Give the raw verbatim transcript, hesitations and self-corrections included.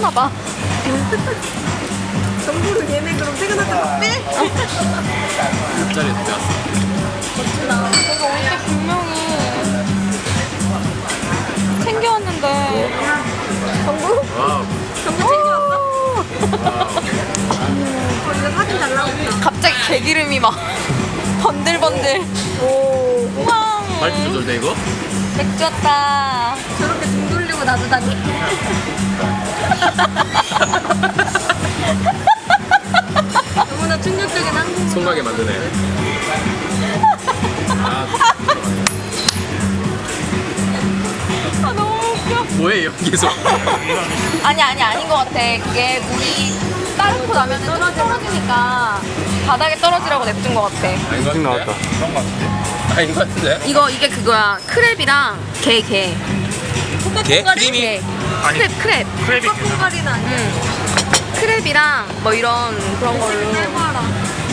봐. 정보를 얘네 그럼 퇴근할 때 빼? 옆자리에서 배웠어. 멋지다. 내가 올 때 분명히 챙겨왔는데. 정보? 와우. 정보 챙겨왔어? 어, 이거 사진 잘 나온다. 갑자기 개기름이 막 번들번들. 오. 우와. 밝기 조절돼 이거? 맥주 왔다. 저렇게 등 돌리고 놔두다니. 너무나 충격적인 한국. 손가게 만드네. 아, 아 너무 웃겨. 뭐해 여기서? 아니 아니 아닌 것 같아. 그게 물이 따르고 나면 떨어지니까 바닥에 떨어지라고 냅둔 것 같아. 아닌 것 같은데? 그런 것 같은데? 아닌 것 같은데? 이거 이게 그거야. 크랩이랑 게 게. 게? 크림이? 게. 크랩 크랩. 크래비. 콩가리는 아니야. 응. 크랩이랑 뭐 이런 그런 걸로. 해봐라.